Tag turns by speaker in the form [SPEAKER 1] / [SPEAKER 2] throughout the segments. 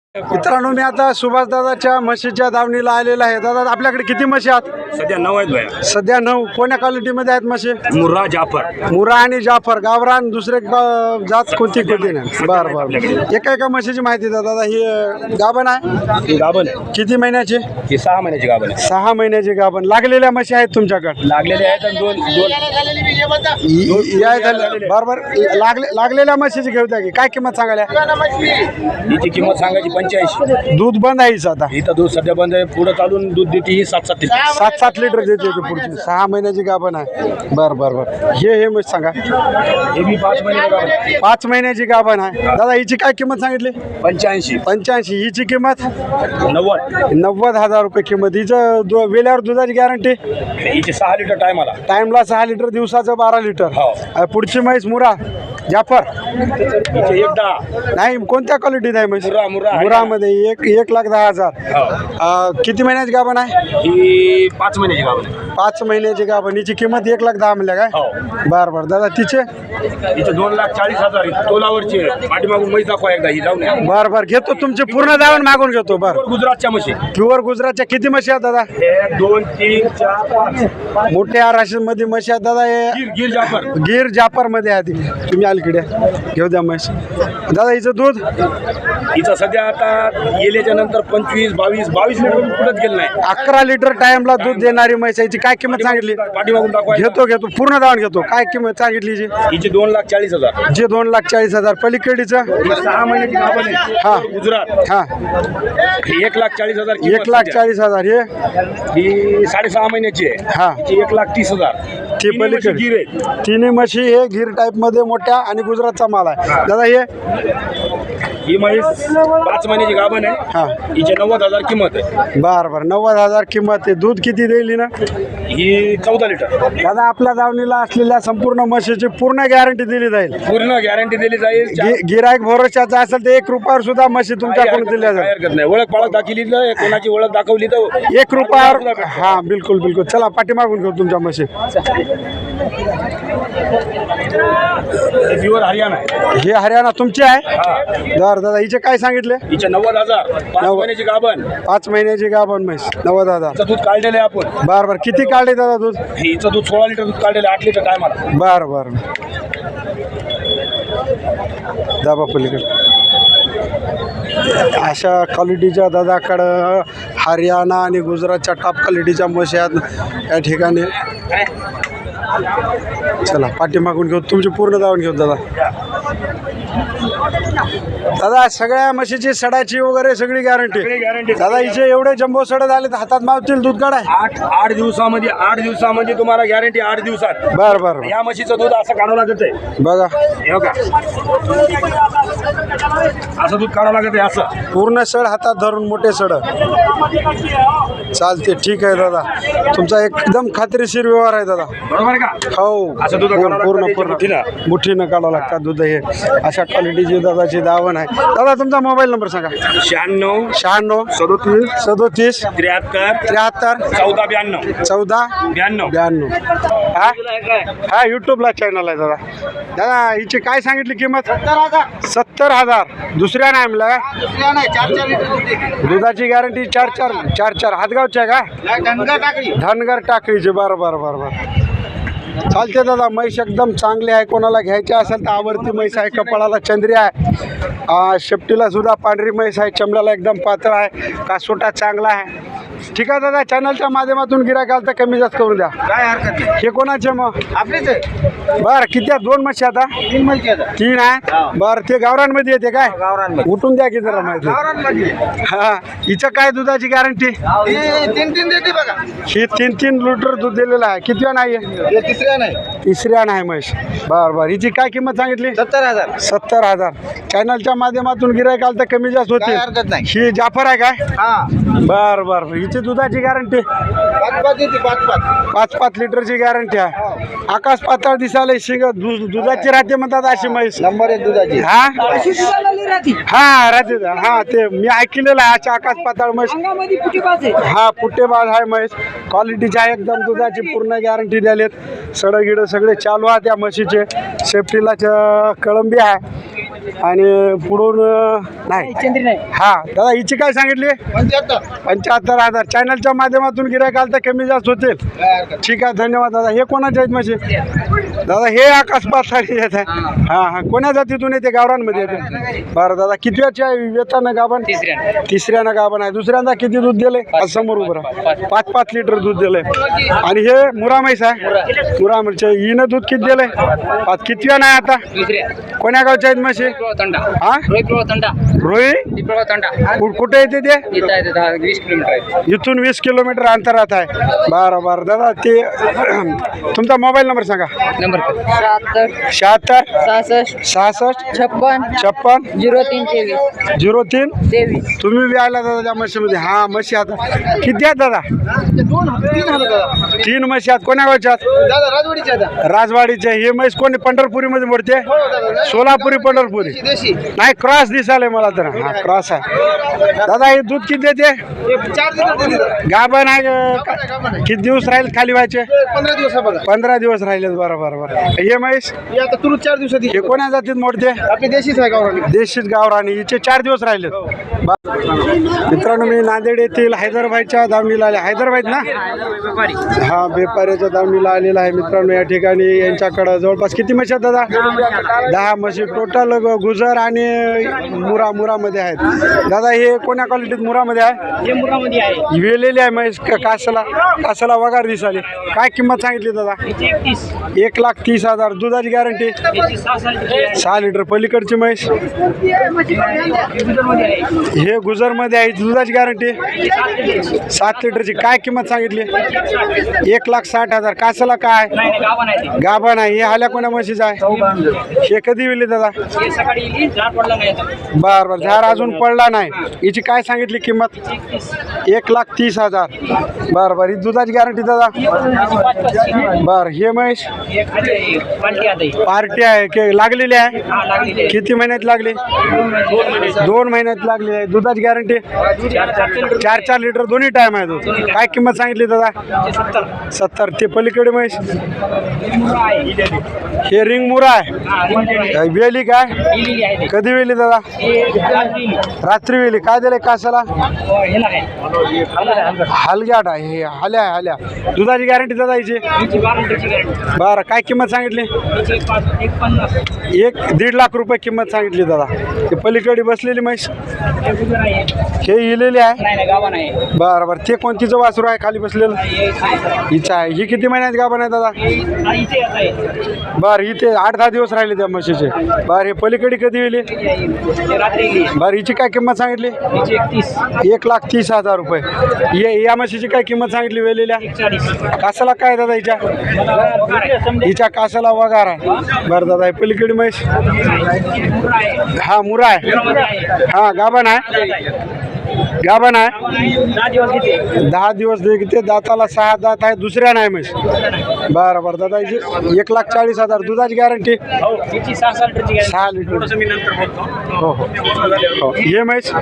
[SPEAKER 1] मित्रांनो, मी आता सुभाष दादाच्या म्हशीच्या दावणीला आलेला आहे. दादा, आपल्याकडे किती म्हशी आहेत?
[SPEAKER 2] सध्या 9 आहेत भैया.
[SPEAKER 1] सध्या 9. कोण्या क्वालिटीमध्ये आहेत म्हशी?
[SPEAKER 2] मुर्रा जाफर.
[SPEAKER 1] मुरा आणि जाफर. गावरान दुसरे जात कोणती कोणती नाही? बरं बरं. एका म्हशीची माहिती द्या दादा. ही गाभण आहे?
[SPEAKER 2] ही गाभण आहे.
[SPEAKER 1] किती महिन्याची?
[SPEAKER 2] ही 6 महिन्याची गाभण आहे.
[SPEAKER 1] 6 महिन्याची गाभण. लागलेल्या म्हशी आहेत तुमच्याकडे?
[SPEAKER 2] लागलेले आहेत आणि दोन
[SPEAKER 1] बरोबर. लागलेल्या म्हशीची घेऊ द्या की. काय किंमत सांगायला?
[SPEAKER 2] हिची किंमत सांगायची 85.
[SPEAKER 1] दूध बंद आहे हिचं आता?
[SPEAKER 2] इथं दूध सध्या बंद आहे. पुढे चालून दूध देते ही 7-7 लिटर.
[SPEAKER 1] 7-7 लिटर देते ती पुढची. 6 महिन्याची गाभण आहे. बरं बरं बरं. हे म्हशी सांगा.
[SPEAKER 2] हे बी 5 महिन्याची गाभण आहे.
[SPEAKER 1] 5 महिन्याची गाभण आहे. दादा, हिची काय किंमत सांगितली?
[SPEAKER 2] 85.
[SPEAKER 1] 85. हिची किंमत
[SPEAKER 2] 90.
[SPEAKER 1] 90,000 रुपये किंमत. हिचं वेल्यावर दुधाची गॅरंटी?
[SPEAKER 2] हिची 6 लिटर टायमाला.
[SPEAKER 1] टाइमला 6 लिटर, दिवसाचं 12 लिटर.
[SPEAKER 2] हो.
[SPEAKER 1] पुढची म्हैस मुरा जाफर?
[SPEAKER 2] हिची 1-10.
[SPEAKER 1] नाही, कोणत्या क्वालिटीत आहे म्हैस?
[SPEAKER 2] मुरा
[SPEAKER 1] मुरामध्ये 1,10,000.
[SPEAKER 2] हो.
[SPEAKER 1] किती महिन्याची गाभण आहे?
[SPEAKER 2] ही 5 महिन्याची गाभण आहे.
[SPEAKER 1] 5 महिन्याची गाभण. हिची किंमत 1,10,000 म्हणल्या काय?
[SPEAKER 2] हो.
[SPEAKER 1] बरं बरं. दादा, तिचे?
[SPEAKER 2] हिचे 2,40,000 तोलावरची आहे. पाठीमागून म्हैस दाखवा एकदा. ही जाऊन या.
[SPEAKER 1] बरं बरं. घेतो तुमचे पूर्ण दावण मागून घेतो. बरं.
[SPEAKER 2] गुजरातच्या म्हशी.
[SPEAKER 1] प्युअर गुजरातच्या किती म्हशी आहेत दादा?
[SPEAKER 2] 1, 2, 3, 4, 5.
[SPEAKER 1] मोठ्या राशीमध्ये म्हशी आहेत दादा. हे
[SPEAKER 2] गिर जाफर.
[SPEAKER 1] गिर जाफर मध्ये आहे ती. तुम्ही अलीकडे घेऊ द्या म्हैस. दादा, हिचं दूध?
[SPEAKER 2] हिचं सध्या आता गेल्याच्या नंतर 22 लिटर पुढेच गेलं नाही.
[SPEAKER 1] 11 लिटर टाइमला दूध देणारी म्हैस आहे. हिची काय किंमत सांगितली?
[SPEAKER 2] पाठीमागून दाखवा.
[SPEAKER 1] घेतो पूर्ण दावण घेतो. काय किंमत सांगितली हिची?
[SPEAKER 2] हिची 2,40,000.
[SPEAKER 1] जे 2,40,000. पलीकडीचं?
[SPEAKER 2] 6 महिन्याची गाभण आहे.
[SPEAKER 1] हा.
[SPEAKER 2] गुजरात.
[SPEAKER 1] हा.
[SPEAKER 2] 1,40,000.
[SPEAKER 1] 1,40,000. हे?
[SPEAKER 2] ही 6.5 महिन्याची आहे.
[SPEAKER 1] हा.
[SPEAKER 2] हिची 1,30,000.
[SPEAKER 1] ती पलीकडे
[SPEAKER 2] गिर आहे.
[SPEAKER 1] तिन्ही म्हशी हे गिर टाईप मध्ये मोठ्या आणि गुजरातचा माल आहे. दादा, हे?
[SPEAKER 2] ही म्हैस 5 महिन्याची गाभण आहे.
[SPEAKER 1] हा.
[SPEAKER 2] हिची 90,000 किंमत आहे.
[SPEAKER 1] बरं बरं. 90,000 किंमत आहे. दूध किती देईल ना?
[SPEAKER 2] ही 14 लिटर.
[SPEAKER 1] दादा, आपल्या दावणीला असलेल्या संपूर्ण म्हशीची पूर्ण गॅरंटी दिली जाईल.
[SPEAKER 2] पूर्ण गॅरंटी दिली जाईल.
[SPEAKER 1] गिरायक भरोशाचा असेल तर 1 रुपयावर सुद्धा म्हशी तुमच्याकडून दिल्या
[SPEAKER 2] काही
[SPEAKER 1] जाईल.
[SPEAKER 2] हरकत नाही. ओळख पाळख दाखवली तर कोणाची ओळख दाखवली तर
[SPEAKER 1] 1 रुपयावर. हा, बिलकुल बिलकुल. चला, पाठीमागून घेऊ तुमच्या म्हशी.
[SPEAKER 2] प्युअर हरियाणा आहे.
[SPEAKER 1] हे हरियाणा तुमची आहे?
[SPEAKER 2] हा.
[SPEAKER 1] दादा, हिचे काय सांगितले?
[SPEAKER 2] हिचे 90,000. 5 महिन्याची गाभण.
[SPEAKER 1] 5 महिन्याची गाभण म्हैस. 90,000.
[SPEAKER 2] हिचं दूध काढलेलं आहे आपण.
[SPEAKER 1] बरं बरं. किती काढले दादा दूध?
[SPEAKER 2] हिचं दूध 16 लिटर दूध काढलेलं आहे. 8 लिटर टायमाला.
[SPEAKER 1] बरं बरं. दाबा पलीकडे. अशा क्वालिटीच्या दादाकडं हरियाणा आणि गुजरातच्या टॉप क्वालिटीच्या म्हशी आहेत या ठिकाणी. चला, पाठीमागून घेऊ. तुमची पूर्ण दावण घेऊ दादा. दादा, सगळ्या म्हशीची सडाची वगैरे सगळी गॅरंटी? दादा, हिचे एवढे जम्बो सड झाले तर हातात मावतील दूध काढाय?
[SPEAKER 2] 8 दिवसामध्ये तुम्हाला गॅरंटी. 8 दिवसात.
[SPEAKER 1] बरं बरं.
[SPEAKER 2] या म्हशीचं दूध असं काढावं लागत आहे.
[SPEAKER 1] बघा,
[SPEAKER 2] हे का असं दूध काढावं लागत आहे. असं
[SPEAKER 1] पूर्ण सड हातात धरून मोठे सड. चालते, ठीक आहे दादा. तुमचा एकदम खात्रीशीर व्यवहार आहे दादा.
[SPEAKER 2] बरोबर आहे का?
[SPEAKER 1] हो.
[SPEAKER 2] असं दूध
[SPEAKER 1] पूर्ण मुठीनं काढावं लागतात दूध. हे अशा क्वालिटीची दादाची दावण आहे. दादा, तुमचा मोबाईल नंबर सांगा.
[SPEAKER 2] 96
[SPEAKER 1] 96
[SPEAKER 2] 37
[SPEAKER 1] 37
[SPEAKER 2] 73
[SPEAKER 1] 73
[SPEAKER 2] 14
[SPEAKER 1] 14
[SPEAKER 2] 92.
[SPEAKER 1] 92. हा, यूट्यूबला चॅनल आहे दादा. दादा, हिची काय सांगितली किंमत? 70,000. दुसऱ्या नाही म्हणला का? दुधाची गॅरंटी 4 हातगावच्या का? धनगर टाकळीची. बरं बरं बरं बरं. चालते दादा. म्हैस एकदम चांगली आहे. कोणाला घ्यायची असेल तर आवडती म्हैस आहे. कपाळाला चंद्री आहे. शेपटीला सुद्धा पांढरी म्हैस आहे. चमड्याला एकदम पातळ आहे. कासोटा चांगला आहे. ठीक आहे दादा. चॅनलच्या माध्यमातून गिऱ्हाईक आलं तर कमी जास्त करून द्या.
[SPEAKER 2] काय हरकत नाही.
[SPEAKER 1] हे कोणाचे मग?
[SPEAKER 2] आपलीच आहे.
[SPEAKER 1] बरं, किती आहेत? 2 म्हशी आता?
[SPEAKER 2] 3 म्हशी आहेत.
[SPEAKER 1] 3 आहे. बरं, ते गावरांमध्ये येते काय?
[SPEAKER 2] गावरांमध्ये.
[SPEAKER 1] उठून द्या की जरा माहिती.
[SPEAKER 2] गावरांमध्ये.
[SPEAKER 1] हा. हिचं काय दुधाची गॅरंटी?
[SPEAKER 2] 3 देते बघा.
[SPEAKER 1] ही 3 लिटर दूध दिलेलं आहे. किती नाही आहे?
[SPEAKER 2] हे तिसऱ्या नाही.
[SPEAKER 1] तिसऱ्या नाही म्हैस. बरं बरं. हिची काय किंमत सांगितली?
[SPEAKER 2] 70,000.
[SPEAKER 1] 70,000. चॅनलच्या माध्यमातून गिऱ्हाईक आलं तर कमी जास्त
[SPEAKER 2] काय
[SPEAKER 1] होते.
[SPEAKER 2] हरकत नाही.
[SPEAKER 1] ही जाफर आहे काय?
[SPEAKER 2] हा.
[SPEAKER 1] बरं बरं. हिची दुधाची गॅरंटी?
[SPEAKER 2] 5 देते.
[SPEAKER 1] 5 लिटरची गॅरंटी आहे. आकाश पातळ दिसायला शिंग दुधाची राहते म्हणतात अशी म्हैस.
[SPEAKER 2] नंबर 1 दुधाची.
[SPEAKER 1] हा हा राहते. हा, ते मी ऐकलेलं आहे. अशा आकाश पातळ म्हैस. हा, पुट्टेबाज आहे म्हैस. क्वालिटीची आहे एकदम. दुधाची पूर्ण गॅरंटी द्यालेत. सडगिड सगळे चालू आहे त्या म्हशीचे. सेफ्टीला कळंबी आहे. आणि पुढून नाही. हा दादा हिची काय सांगितली? 75,000. चॅनलच्या माध्यमातून गिऱ्हाईक आलं तर कमी जास्त होतील. ठीक आहे, धन्यवाद दादा. हे कोणाच्या आहेत म्हशी? दादा हे आकाश पाथारी येत आहे. हां हां, कोण्या जातीतून येते? गावरांमध्ये येते. बरं दादा, किती येताना गाभण? तिसऱ्यानं गाभण आहे. दुसऱ्यांदा किती दूध दिले? आज समोर उभं राहा. 5 लिटर दूध दिलंय. आणि हे मुरा म्हैस आहे. मुरा म्हैस हिनं दूध किती दिलंय? 5. कितव्या नाही आता? कोण्या गावच्या आहेत म्हशी? हा रोही. कुठे येते ते?
[SPEAKER 3] 20 किलोमीटर.
[SPEAKER 1] इथून 20 किलोमीटर अंतरात आहे. बरं बरं दादा, ते तुमचा मोबाईल नंबर सांगा.
[SPEAKER 3] नंबर
[SPEAKER 1] 76
[SPEAKER 3] 66
[SPEAKER 1] 66
[SPEAKER 3] 56
[SPEAKER 1] 03
[SPEAKER 3] 03
[SPEAKER 1] तुम्ही बी आला दादा त्या म्हशीमध्ये. हा म्हशी आता किती आहेत दादा? 3 म्हशी आहेत. कोण्या गावच्या आहेत? राजवाडीचे. हे म्हैस कोणी पंढरपुरीमध्ये मोडते? सोलापुरी पंढरपुरी नाही, क्रॉस दिसाले मला तर. हा क्रॉस आहे. दादा हे दूध किती देते? गाभण आहे का? किती दिवस राहील खाली व्हायचे? 15 दिवस राहिले. बरोबर बरोबर. हे म्हैस
[SPEAKER 4] 4 दिवसात
[SPEAKER 1] हे कोण्या जातीत मोडते?
[SPEAKER 4] आपली देशीच आहे गावरानी.
[SPEAKER 1] देशीच गावरानी. हिचे 4 दिवस राहिले. मित्रांनो, मी नांदेड येथील हैदरबाईच्या दावणीला आले. हैदरबाईत ना? हा, व्यापाऱ्याच्या दावणीला आलेला आहे मित्रांनो. या ठिकाणी यांच्याकडं जवळपास किती म्हशी आहेत दादा? 10 म्हशी टोटल. गुजर आणि मुरामध्ये आहेत. दादा हे कोण्या क्वालिटीत मुरामध्ये आहे? वेलेली आहे म्हैस. कासाला वगार दिसाली. काय किंमत सांगितली दादा? 1,30,000. दुधाची गॅरंटी? 6 लिटर. पलीकडची म्हैस हे गुजरमध्ये आहे. दुधाची गॅरंटी 7 लिटरची. काय किंमत सांगितली? 1,60,000. कासाला काय? गाभण आहे. हे हाल्या कोण्या म्हशीचं आहे? हे कधी विली दादा? बरं बरं, झाड अजून पडला नाही. हिची काय सांगितली किंमत? 1,30,000. बरं बरं. ही दुधाची गॅरंटी दादा? बरं. हे म्हैस पार्टी आहे की लागलेली आहे? किती महिन्यात लागली? 2 महिन्यात लागली आहे. दुधाची गॅरंटी? 4 लिटर दोन्ही टाइम आहे दूध. काय किंमत सांगितली दादा? 70. ते पलीकडे म्हैस हे रिंग मुरा आहे. वेली काय? कधी वेली दादा? रात्री वेली. काय दिले कासाला? हलग्याट आहे. हे हाल्या. दुधाची गॅरंटी दादा हिची? बरं. काय किंमत सांगितली? 1.5 लाख रुपये किंमत सांगितली दादा. ते पलीकडे बसलेली म्हैस हे इलेली आहे. बरं बरं. ते कोणतीचं वासरू आहे खाली बसलेलं? हिचं आहे. ही किती महिन्यात गाभण आहे दादा? बरं. इथे 8-10 दिवस राहिले त्या म्हशीचे. बरं. हे पलीकडे कधी येईल? बरं. हिची काय किंमत सांगितली? 1,30,000 रुपये. या म्हशीची काय किंमत सांगितली वेलेल्या? कासाला काय दादा हिच्या? हिच्या कासाला वगार आहे. बरं दादा. हे पलीकडे म्हैस हा मुरा आहे. हा गाभण आहे. 10 दिवस घेते. दाताला 6 दात आहे. दुसऱ्या नाही म्हैस. बरं बरं दादा. हिची 1,40,000. दुधाची गॅरंटी? 6 लिटर. हो हो. हे म्हैस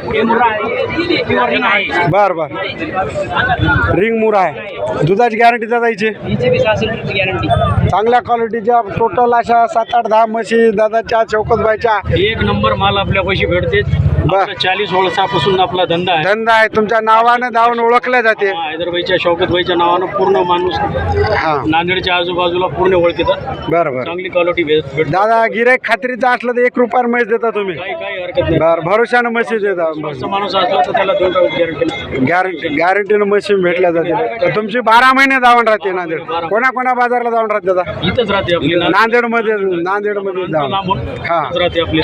[SPEAKER 1] बरं बरं. रिंग मुरा आहे. दुधाची गॅरंटी दादा हिची? चांगल्या क्वालिटीच्या टोटल अशा 7-8-10 म्हशी दादाच्या चौकतबाईच्या.
[SPEAKER 2] एक नंबर माल आपल्या पैसे भेटते. 40 वर्षापासून आपला धंदा
[SPEAKER 1] आहे. तुमच्या नावानं धावून ओळखल्या जाते.
[SPEAKER 2] हैदरबाईच्या शौकतबाईच्या नावानं पूर्ण माणूस
[SPEAKER 1] हा
[SPEAKER 2] नांदेडच्या आजूबाजूला पूर्ण ओळखतात.
[SPEAKER 1] बरोबर.
[SPEAKER 2] चांगली क्वालिटी भेट.
[SPEAKER 1] दादा गिऱ्हाईक खात्रीचं असलं तर 1 रुपया म्हैस देता तुम्ही?
[SPEAKER 2] काही हरकत नाही.
[SPEAKER 1] बरं. भरोशानं म्हशी देता?
[SPEAKER 2] माणूस असला तर त्याला 2 गॅरंटी.
[SPEAKER 1] गॅरंटीनं म्हशी भेटल्या जाते. तर तुमची 12 महिने धावून राहते नांदेड. कोणा बाजारला जाऊन राहते दादा?
[SPEAKER 2] इथंच राहते आपली
[SPEAKER 1] नांदेडमध्ये धावून. हा.
[SPEAKER 2] राहते आपली.